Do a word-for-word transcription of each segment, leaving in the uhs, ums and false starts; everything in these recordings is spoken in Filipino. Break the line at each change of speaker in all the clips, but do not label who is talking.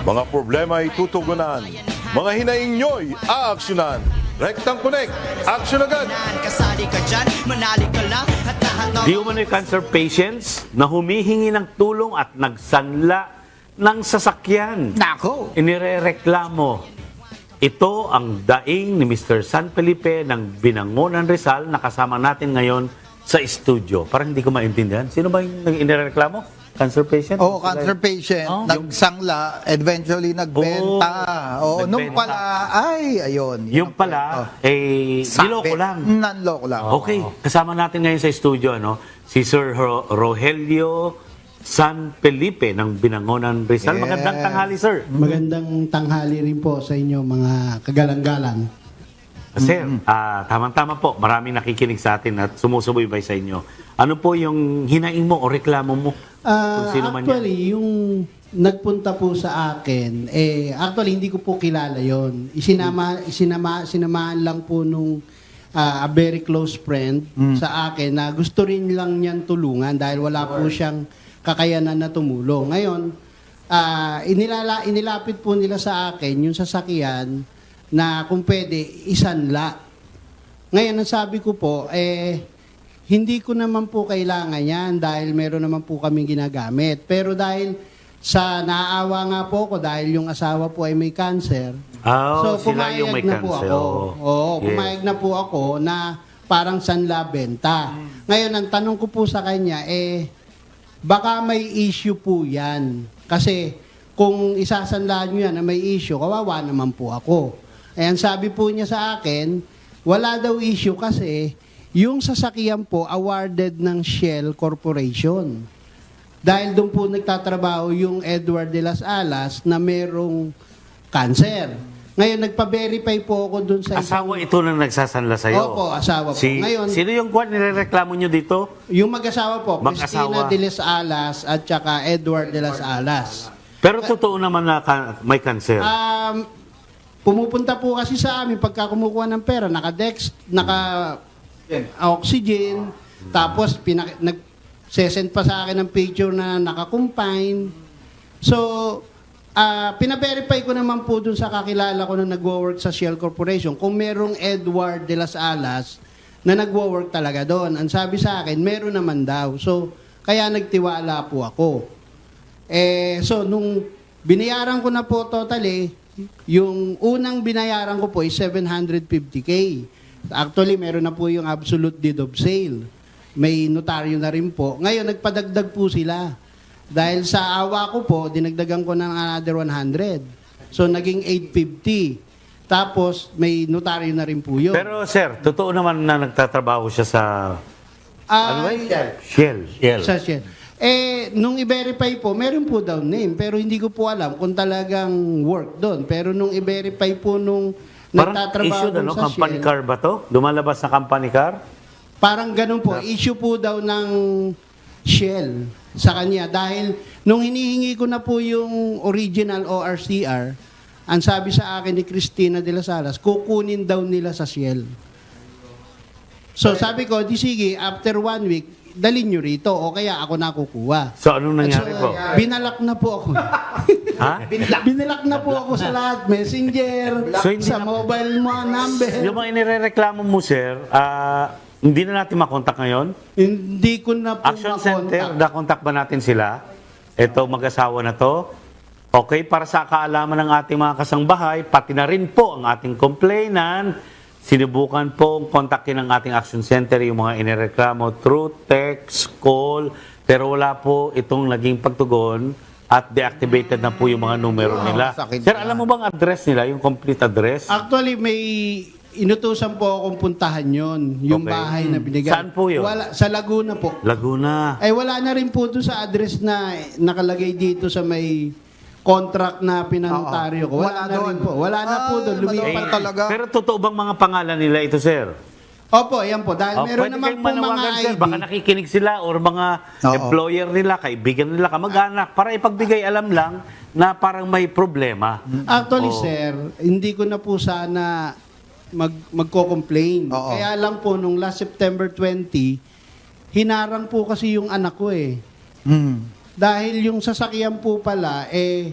Mga problema ay tutugunan. Mga hinaing nyo'y aaksyonan. Rectang Connect, action agad!
Kasali ka dyan, manali ka lang at lahat ng...
Di umano'y cancer patients na humihingi ng tulong at nagsanla ng sasakyan.
Nako!
Inirereklamo. Ito ang daing ni Mister San Felipe ng Binangonan Rizal na kasama natin ngayon sa studio. Parang hindi ko maintindihan. Sino ba yung nag-inireklamo? Cancer patient?
Oo, cancer patient,
Oh.
nagsangla, eventually nagbenta. Oo, nung
nagbenta.
pala, ay, ayun.
Yung pala, eh, niloko lang.
Nanloko lang.
Okay, kasama natin ngayon sa studio ano, si Sir Ro- Rogelio San Felipe ng Binangonan Rizal.
Yes.
Magandang tanghali, sir.
Magandang tanghali rin po sa inyo mga kagalang-galang.
Sir, ah, tamang-tama po. Maraming nakikinig sa atin at sumusubaybay sa inyo. Ano po yung hinaing mo o reklamo mo?
Ah,
Kung sino man
actually, yung nagpunta po sa akin, eh, actually, hindi ko po kilala yon. Isinama, isinama, sinamahan lang po nung ah, a very close friend sa akin na gusto rin lang niyan tulungan dahil wala po siyang kakayanan na tumulong. Ngayon, ah, inilala, inilapit po nila sa akin yung sasakyan na kung pwede, isanla. Ngayon, ang sabi ko po, eh, hindi ko naman po kailangan yan dahil meron naman po kaming ginagamit. Pero dahil sa naaawa nga po ako dahil yung asawa po ay may cancer.
Oh,
so,
sila yung may
pumayag na po
cancer.
ako.
Oo.
Oo,
Yes.
pumayag na po ako na parang sanla benta. Ngayon, ang tanong ko po sa kanya, eh, baka may issue po yan. Kasi kung isasanla nyo yan na may issue, kawawa naman po ako. Ayan, sabi po niya sa akin, wala daw issue kasi yung sasakyan po awarded ng Shell Corporation. Dahil doon po nagtatrabaho yung Edward de las Alas na merong cancer. Ngayon, nagpa-verify po ako doon sa...
Asawa ito na nagsasanla sa'yo?
Opo, asawa po.
Si,
Ngayon-
sino yung kwan nirereklamo nyo dito?
Yung mag-asawa po,
Mag-asawa.
Cristina de las Alas at saka Edward de las Alas.
Pero totoo naman na ka- may cancer.
Um, pumupunta po kasi sa amin pagka kumukuha ng pera, naka-dex, naka-oxygen, tapos pinak- nag-sesend pa sa akin ng picture na naka-confine. So, ah pina-verify ko naman po dun sa kakilala ko na nagwo-work sa Shell Corporation kung merong Edward de las Alas na nagwo-work talaga doon. Ang sabi sa akin, meron naman daw. So, kaya nagtiwala po ako. Eh, so, nung binayaran ko na po totally, yung unang binayaran ko po is seven hundred fifty K. Actually, meron na po yung absolute deed of sale. May notaryo na rin po. Ngayon, nagpadagdag po sila. Dahil sa awa ko po, dinagdagan ko ng another one hundred. So, naging eight fifty. Tapos, may notaryo na rin po yun.
Pero sir, totoo naman na nagtatrabaho siya sa...
Ah,
ano ba yun? Shell. Shell.
Sa Shell. Eh, nung i-verify po, meron po daw name, pero hindi ko po alam kung talagang work doon. Pero nung i-verify po nung
Parang
nagtatrabaho
issue na, no?
sa
Company
Shell,
car ba to? Lumalabas na company car?
parang ganun po, issue po daw ng Shell sa kanya. Dahil nung hinihingi ko na po yung original O R C R, ang sabi sa akin ni Cristina de las Alas, kukunin daw nila sa Shell. So sabi ko, di sige, after one week, dalhin nyo rito o kaya ako na kukuha.
So, anong nangyari
So,
po?
binalak na po ako.
Ha?
binalak na po ako sa lahat. Messenger,
So, hindi
sa
na-
mobile mo, number.
Yung mga inireklamo mo, sir, ah, hindi na natin makontak ngayon?
Hindi ko na po
Action
makontak.
Center, nakontak ba natin sila? Ito, mag-asawa na to. Okay, para sa kaalaman ng ating mga kasangbahay, pati na rin po ang ating complainant, sinubukan pong kontakin ng ating Action Center yung mga inireklamo through text, call, pero wala po itong naging pagtugon at deactivated na po yung mga numero nila.
sakit
Sir,
na.
alam mo bang address nila, yung complete address?
Actually, may inutusan po akong puntahan yon, yung
Okay.
bahay na binigay.
Saan po yun?
Wala, sa Laguna po.
Laguna.
Ay wala na rin po doon sa address na nakalagay dito sa may contract na pinanotaryo ko. Wala,
Wala
na
doon.
rin po. Wala na po doon.
Ay,
Lumipat
malawak talaga.
Pero totoo bang mga pangalan nila ito, sir?
Opo, yan po. Dahil
Oh,
meron
pwede
naman
kayong
po mga
manawagan,
I D.
sir. Baka nakikinig sila or mga
Oo.
employer nila, kaibigan nila, kamag-anak, para ipagbigay alam lang na parang may problema.
Actually,
Oo.
sir, hindi ko na po sana mag, magko-complain.
Oo.
Kaya lang po, nung last September twentieth, hinarang po kasi yung anak ko eh.
Hmm.
Dahil yung sasakyan po pala, eh,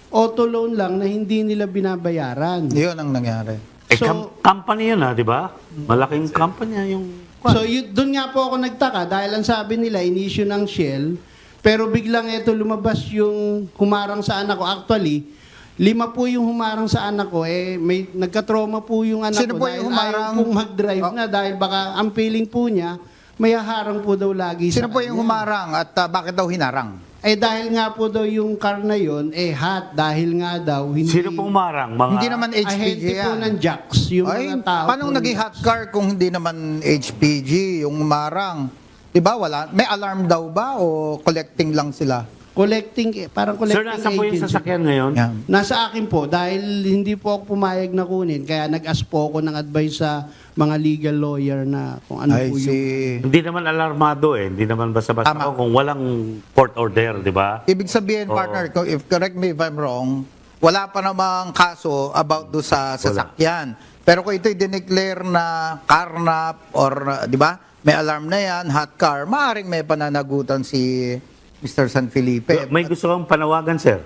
auto loan lang na hindi nila binabayaran.
Yun ang nangyari.
Eh,
So-
kam- company yun, ha, di ba? Malaking company yung...
So, yun, doon nga po ako nagtaka dahil ang sabi nila, in-issue ng Shell, pero biglang ito lumabas yung humarang sa anak ko. Actually, lima po yung humarang sa anak ko. Eh, may nagka-trauma po yung anak
Sino
ko
po
dahil
yung humarang?
ayaw pong mag-drive
Oh.
na dahil baka ang feeling po niya, may haharang po daw lagi
Sino
sa
po yung
kanya.
humarang at ah, bakit daw hinarang?
Eh dahil nga po daw yung car na yon eh hot dahil nga daw hindi
Sino pong umarang? Mga...
Hindi naman H P G
ahente po
yan.
ng jacks yung
Ay,
mga tao.
paano
po
naging
yun?
hot car kung hindi naman H P G yung humarang? Diba wala? May alarm daw ba o collecting lang sila?
Collecting, eh, parang
Sir,
collecting
nasa po yung
agency.
sasakyan ngayon?
Yan.
Nasa akin po, dahil hindi po ako pumayag na kunin, kaya nag-ask po ako ng advice sa mga legal lawyer na kung ano
I
po yung...
see.
Hindi naman alarmado eh. Hindi naman basta-basta
Tama.
ako kung walang court order, di ba?
Ibig sabihin,
Oo.
partner, kung- if correct me if I'm wrong, wala pa namang kaso about do sa sasakyan. Pero kung ito'y dineclare na carnap or, uh, di ba, may alarm na yan, hot car, maaring may pananagutan si Mister San Felipe.
May gusto kang panawagan, sir?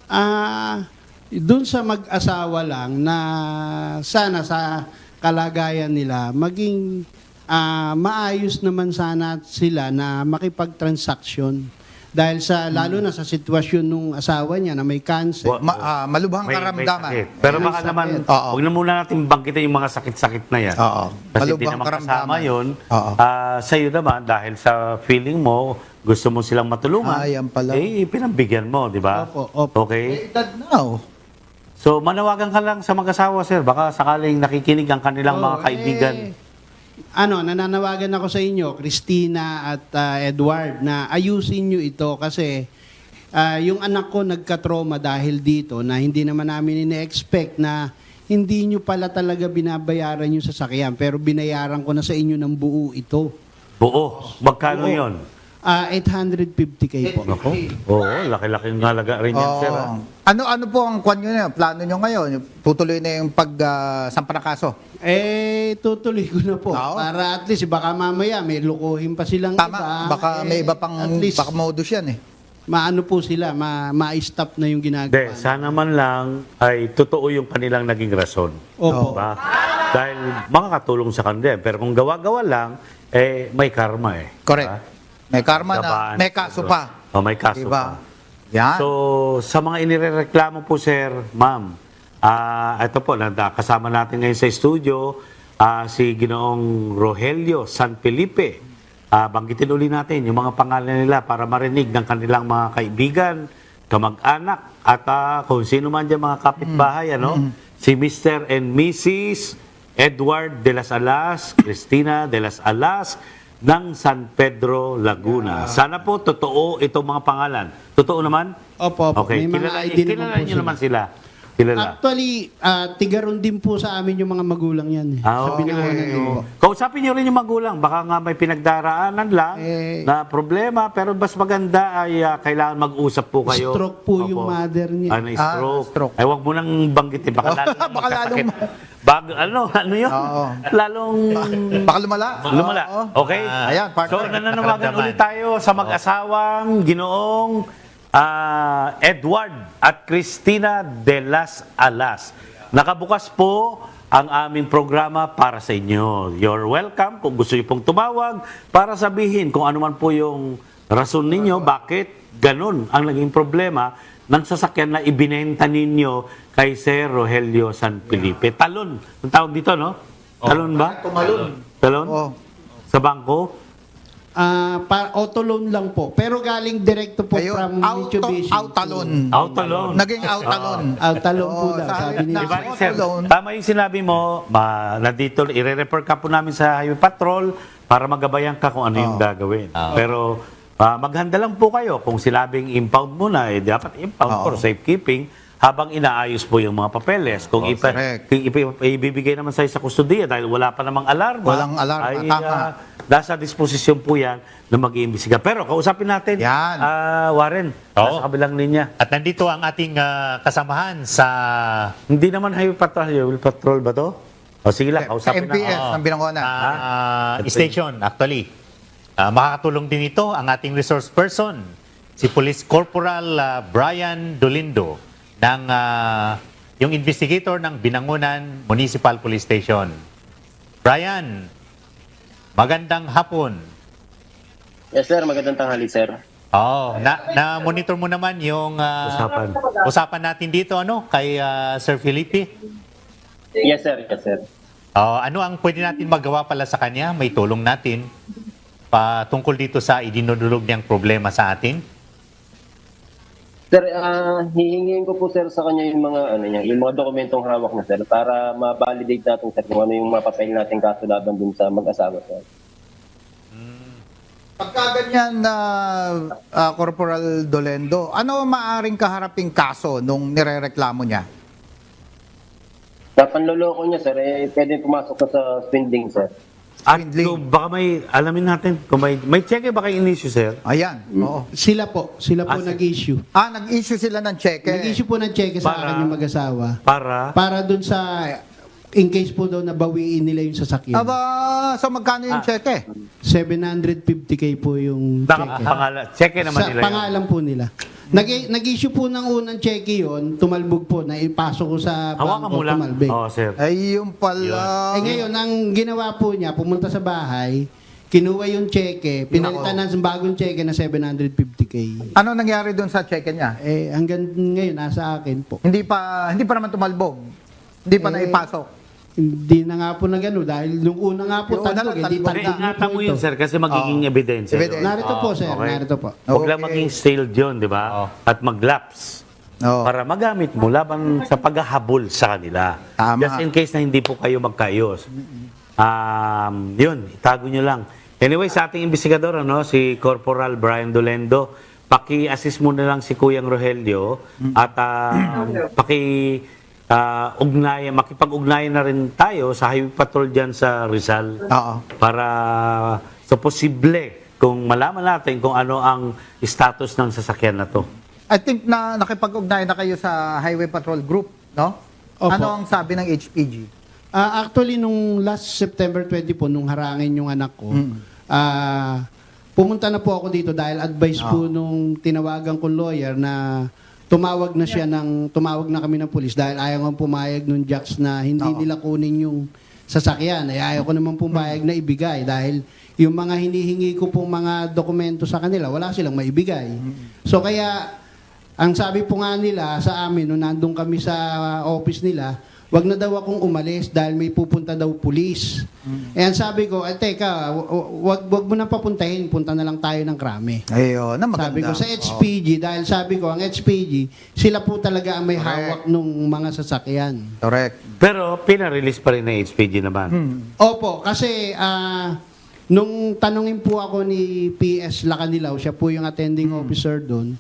Ah, doon sa mag-asawa lang na sana sa kalagayan nila maging ah, maayos naman sana sila na makipag-transaction. Dahil sa lalo na sa sitwasyon nung asawa niya na may cancer.
Wa-
Ma- ah, malubhang
May, may
karamdaman.
sakit. Pero
May
baka
sakit.
naman,
Oo.
huwag na muna natin bangkitin yung mga sakit-sakit na yan.
Oo.
Kasi hindi
Malubhang
naman kasama
karamdaman.
yun.
Oo.
Ah, sa iyo naman, dahil sa feeling mo, gusto mo silang matulungan,
Ah, yan pala.
eh, pinambigyan mo, di ba?
Opo, opo.
Okay?
Eh, edad na, oh.
So, manawagan ka lang sa mag-asawa, sir. Baka sakaling nakikinig ang kanilang mga
Oo,
kaibigan.
eh, ano, nananawagan ako sa inyo, Christina at ah, Edward, na ayusin nyo ito kasi ah, yung anak ko nagka-trauma dahil dito na hindi naman namin ine-expect na hindi nyo pala talaga binabayaran yung sasakyan pero binayaran ko na sa inyo ng buo ito.
Buo. Magkano
Buo.
yon?
Ah, eight hundred fifty K po.
Ako? Oo, laki-laking halaga rin yan,
Oo.
sir. ah.
Ano ano po ang kwan nyo na, plano nyo ngayon? Tutuloy na yung pag uh, sampa ng kaso?
Eh, tutuloy ko na po.
Oo.
Para at least, baka mamaya may lukuhin pa silang
Tama,
iba.
baka
Eh,
may iba pang
at least,
baka modus yan eh.
maano po sila, ma- ma-stop na yung ginagawa.
Hindi, sana man lang ay totoo yung kanilang naging rason.
Opo.
Diba? Dahil makakatulong sa kanila. Pero kung gawa-gawa lang, eh, may karma eh.
Correct.
Diba?
May karma na,
Gabaan.
may kaso pa.
Oh, may kaso
Diba?
pa.
Yan.
So, sa mga inireklamo po, sir, ma'am, ah ito po, nanda- kasama natin ngayon sa studio, ah, si Ginoong Rogelio San Felipe. Ah, banggitin uli natin yung mga pangalan nila para marinig ng kanilang mga kaibigan, kamag-anak, at ah, kung sino man dyan mga kapitbahay, ano? Si Mister and Missus Edward de las Alas, Cristina de las Alas, ng San Pedro, Laguna. Sana po totoo itong mga pangalan. Totoo naman?
Opo, opo.
Okay,
May mga
kilala,
I D naman
kilala
po
niyo
sila.
naman sila. Kilala.
Actually, ah, tigaron din po sa amin yung mga magulang yan. Eh.
Ah,
Sa
okay.
binawanan din po.
Kausapin niyo rin yung magulang. Baka nga may pinagdaraanan lang
Eh,
na problema, pero mas maganda ay ah, kailangan mag-usap po kayo.
Stroke po yung mother niya.
Ah, na
Ah,
stroke.
stroke.
Ay, wag mo nang banggitin. Baka lalong
Baka
magkasakit.
lalong-
Bag, ano, ano yun?
Oo.
Lalong...
Baka lumala.
Lumala.
Oo.
Okay?
Ah, ayan, partner.
So, nananawagan
Nakaramdaman.
ulit tayo sa mag-asawang ginoong ah, Edward at Cristina de las Alas. Nakabukas po ang aming programa para sa inyo. You're welcome kung gusto niyo pong tumawag para sabihin kung ano man po yung rason ninyo, bakit ganun ang naging problema ng sasakyan na ibinenta ninyo kay Sir Rogelio San Felipe. Talon. Ang tawag dito, no? Talon ba?
Tumalon.
Talon?
Oo.
Sa bangko?
Ah, pa auto loan lang po. Pero galing direkto po
Ayun,
from
auto,
Mitsubishi.
outalon.
Auto loan.
Naging outalon.
Outalon po
Oo,
daw,
sa
sabi
halip
ni
na
Di ba,
auto
sir?
loan.
Tama yung sinabi mo, ma, nandito, i-refer ka po namin sa Highway Patrol para magabayan ka kung ano yung gagawin. Pero ah, maghanda lang po kayo. Kung sinabing impound muna, eh, dapat impound
Oo.
for safekeeping habang inaayos po yung mga papeles. Kung, ipa,
correct.
kung ipa- ibibigay naman sa'yo sa kustudiya dahil wala pa namang alarma,
Walang alarma,
ay
tama.
ah, nasa disposisyon po yan na mag-iimbestiga. Pero kausapin natin,
Yan.
ah, Warren,
Oo.
nasa kabilang linya.
At nandito ang ating ah, kasamahan sa
Hindi naman Highway Patrol, Highway Patrol ba to? O sige lang,
Sa
kausapin
M P S,
na.
ang binangonan.
ah, station actually. Ah, makakatulong din ito ang ating resource person, si Police Corporal ah, Brian Dolindo. ng ah, yung investigator ng Binangonan Municipal Police Station. Brian, magandang hapon.
Yes sir, magandang tanghali sir.
Oh, na na-monitor mo naman yung ah,
Usapan.
usapan natin dito ano kay ah, Sir Felipe.
Yes sir, yes sir.
Oh, ano ang pwede natin magawa pala sa kanya? May tulong natin patungkol dito sa idinudulog niyang problema sa atin.
Sir, ah hihingin ko po sir sa kanya yung mga ano niya, yung mga dokumentong hawak na sir para ma-validate natin sir kung ano yung mapapile natin kaso laban dun sa mag-asawa sir.
Pagka ganyan na ah, Corporal Dolendo, ano ang maaring kaharaping kaso nung nirereklamo niya?
Sa panloloko niya sir, eh, pwede pumasok ka sa spending sir.
At
Swindling.
kung baka may, alamin natin, kung may, may cheque ba kayo in-issue, sir?
Ayan, oo.
Sila po, sila po
Ah, si-
nag-issue.
Ah, nag-issue sila ng cheque.
Nag-issue po ng cheque sa
Para-
akin yung mag-asawa.
Para,
Para dun sa, in case po daw nabawiin nila yung sasakyan.
Aba, so magkano yung
Ah.
cheque?
seven hundred fifty k po yung cheque.
nakapangalan, cheque naman
Sa
nila yun.
pangalan po nila. Nag- nag-issue po ng unang cheque yon, tumalbog po, na ipasok ko sa
Hawakan
bangko,
mo lang.
tumalbig.
Oo, sir.
Ay, yung pala.
Eh ngayon, ang ginawa po niya, pumunta sa bahay, kinuha yung cheque, pinalitan ng bagong cheque na seven hundred fifty k.
Ano nangyari doon sa cheque niya?
Eh, hanggang ngayon, nasa akin po.
Hindi pa hindi pa naman tumalbog. Hindi pa
Eh,
naipasok.
Hindi na nga po na gano'n dahil nung una nga po
Yung una
talbog,
lang,
hindi
talbog.
Hindi,
tanda
ingatan mo yun, sir, kasi magiging ebidensya. yun.
Ebidensya.
Narito po, sir.
Okay.
Narito po.
Huwag lang
Okay.
maging stale yun, di ba?
Oo.
At mag-lapse.
Oo.
Para magamit mo laban sa paghahabol sa kanila.
Tama.
Just in case na hindi po kayo magkaayos. Um, yun, itago nyo lang. Anyway, sa ating investigador, ano, si Corporal Brian Dolendo, paki-assist mo na lang si Kuyang Rogelio at ah, paki ah, ugnayan, makipag-ugnayan na rin tayo sa highway patrol dyan sa Rizal.
Oo.
Para sa posible kung malaman natin kung ano ang status ng sasakyan na to.
I think na nakipag-ugnayan na kayo sa Highway Patrol Group, no?
Opo.
Ano ang sabi ng H P G?
Ah, actually, nung last September twenty po, nung harangin yung anak ko, ah, pumunta na po ako dito dahil advice po nung tinawagan kong lawyer na tumawag na siya ng, tumawag na kami ng pulis dahil ayaw nga pumayag nung jacks na hindi
Oo.
nila kunin yung sasakyan. Ay ayaw ko naman pumayag na ibigay dahil yung mga hinihingi ko pong mga dokumento sa kanila, wala silang maibigay. So kaya, ang sabi po nga nila sa amin, nung nandun kami sa office nila, wag na daw akong umalis dahil may pupunta daw pulis. Eh, ang sabi ko, eh, teka, w- w- wag, wag mo na papuntahin, punta na lang tayo ng Krame.
Ayun, na maganda.
Sabi ko sa H P G, dahil sabi ko, ang H P G, sila po talaga ang may hawak nung mga sasakyan.
Correct.
Pero pinarelease pa rin ng H P G naman.
Opo, kasi ah, nung tanungin po ako ni P S Lacanilaw, siya po yung attending officer doon,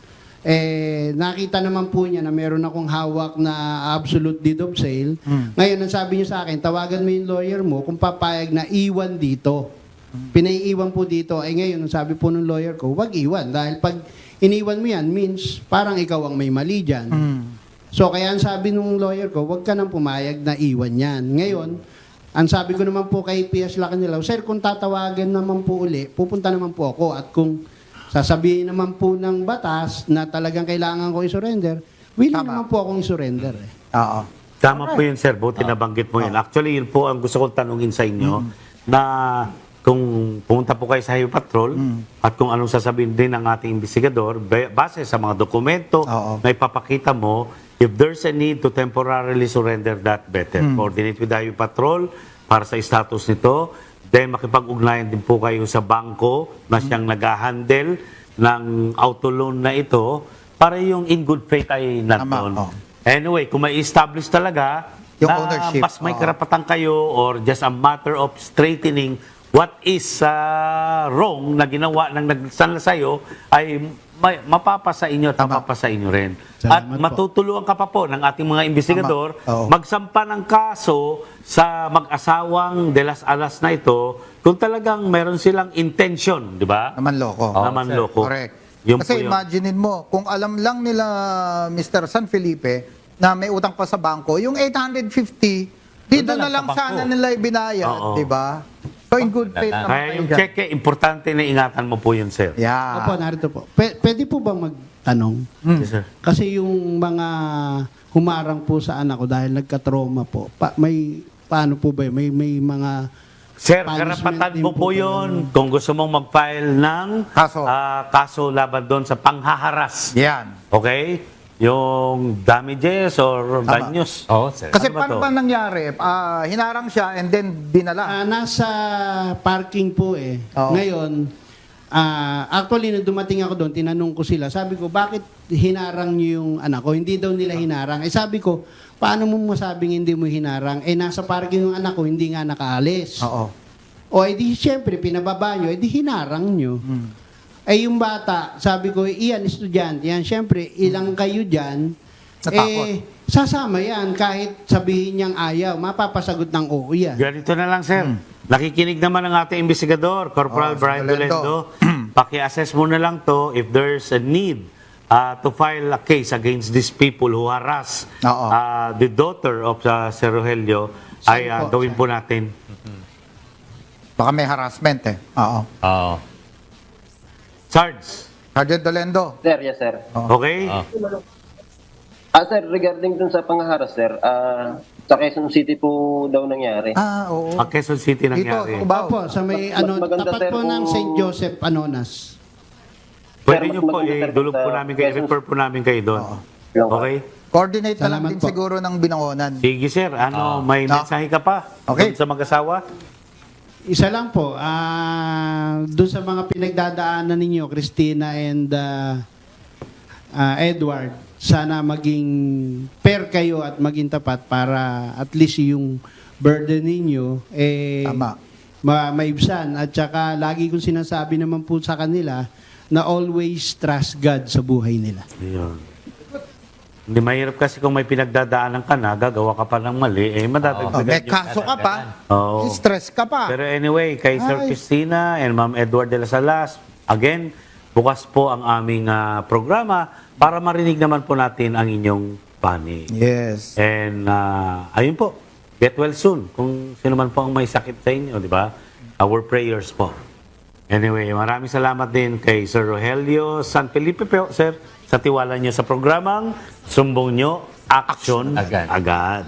eh, nakita naman po niya na meron akong hawak na absolute deed of sale. Ngayon, ang sabi niya sa akin, tawagan mo yung lawyer mo kung papayag na iwan dito. Pinaiiwan po dito. Eh ngayon, ang sabi po ng lawyer ko, wag iwan. Dahil pag iniwan mo yan, means parang ikaw ang may mali dyan. So, kaya ang sabi ng lawyer ko, wag ka nang pumayag na iwan yan. Ngayon, ang sabi ko naman po kay P S Lacanilaw, sir, kung tatawagan naman po uli, pupunta naman po ako. At kung sasabihin naman po ng batas na talagang kailangan ko i-surrender, willing
Tama.
naman po akong i-surrender. Eh.
Oo.
Tama po yun, sir. Buti nabanggit mo yun. Actually, yun po ang gusto kong tanungin sa inyo na kung pumunta po kayo sa Highway Patrol at kung anong sasabihin din ng ating investigador, ba- base sa mga dokumento
Oo.
na ipapakita mo, if there's a need to temporarily surrender that, better. Coordinate with the Highway Patrol para sa status nito. Then makipag-ugnayan din po kayo sa bangko na siyang nag-handle ng auto loan na ito para yung in good faith ay nandun.
oh.
Anyway, kung may establish talaga
Yung
na
ownership,
mas may
oo.
karapatan kayo or just a matter of straightening what is uh, wrong na ginawa ng nagsanla sa'yo ay may, mapapa sa inyo at
Tama.
mapapa sa inyo rin.
Salamat
at
po.
matutulungan ka pa po ng ating mga investigador
Tama. Oo.
magsampa ng kaso sa mag-asawang de las alas na ito kung talagang meron silang intention, di ba?
Naman loko.
Naman loko.
Correct.
Yun
Kasi
po yun.
imaginein mo, kung alam lang nila Mister San Felipe na may utang pa sa bangko, yung eight hundred fifty, dito
Doon
na
na lang
lang
sa bangko.
sana nila ibinayad,
Oo.
di ba? So, in good faith naman
Kaya
kayo
yung
dyan.
cheque, importante na ingatan mo po yun, sir.
Yeah.
Opo, narito po. P- pwede po bang magtanong?
Yes, sir.
Kasi yung mga humarang po sa anak ko dahil nagka-trauma po, pa, may paano po ba yun? May, may mga
Sir,
punishment
karapatan
din
mo po
po ba
yun kung gusto mong mag-file ng
Kaso.
ah, kaso laban doon sa panghaharas.
Yan.
Okay? Yung damages or
Tama.
danyos.
Oo, sir.
Kasi
Ano ba
paano
to?
ba nangyari? Ah, hinarang siya and then dinala.
Ah, nasa parking po eh.
Oo.
Ngayon, ah, actually, nung dumating ako doon, tinanong ko sila, sabi ko, bakit hinarang niyo yung anak ko? Hindi daw nila hinarang. Eh sabi ko, paano mo masabing hindi mo hinarang? Eh nasa parking yung anak ko, hindi nga nakaalis.
Oo.
O edi siyempre, pinababa nyo, edi hinarang nyo.
Hmm.
Eh yung bata, sabi ko, iyan, estudyante yan. Siyempre, ilang kayo dyan,
Natakot.
eh, sasama yan. Kahit sabihin niyang ayaw, mapapasagot ng oo yan.
Ganito na lang, sir. Nakikinig naman ang ating investigador,
Oh,
Corporal
si
Brian
Dolendo.
Dolendo. Paki-assess mo na lang to if there's a need uh, to file a case against these people who harass
Oo.
uh, the daughter of uh, Sir Rogelio, ay uh,
po,
gawin po natin.
Baka may harassment eh. Oo.
Oo.
Sarge,
Sergeant Dolendo.
Sir, yes sir.
okay?
Oo.
Ah sir, regarding dun sa panghaharas sir, ah sa Quezon City po daw nangyari.
Ah, oo.
Ang Quezon City
Dito,
nangyari.
sa Cubao.
Opo, sa may
Mas-
ano,
mas maganda,
tapat
sir,
po ng
kung-
Saint Joseph Anonas.
Pwede
Sir,
nyo
mas
po,
maganda,
eh,
sir,
dulog po
sa
namin kayo,
Quezon-
refer po namin kayo doon.
Lang.
Okay?
Coordinate na lang
Salamat
din
po.
siguro ng binangonan.
Sige, sir. Ano, may
Ah.
mensahe ka pa?
Okay.
Doon sa mag-asawa?
Isa lang po, ah doon sa mga pinagdadaanan ninyo, Christina and ah, ah, Edward, sana maging fair kayo at maging tapat para at least yung burden ninyo eh
Tama.
ma maibsan. At saka lagi kong sinasabi naman po sa kanila na always trust God sa buhay nila.
Ayun. Hindi mahirap kasi kung may pinagdadaanan ka na, gagawa ka pa ng mali, eh
Oh,
madadagdagan
may
yung-
kaso ka pa.
Oo.
Stress ka pa.
Pero anyway, kay Sir
Ay.
Christina and Ma'am Edward de la Salas, again, bukas po ang aming ah, programa para marinig naman po natin ang inyong panig.
Yes.
And ah, ayun po, get well soon. Kung sino man po ang may sakit sa inyo, di ba? Our prayers po. Anyway, maraming salamat din kay Sir Rogelio San Felipe po, sir, sa tiwala niyo sa programang Sumbong Nyo, Action
Agad.
Agad.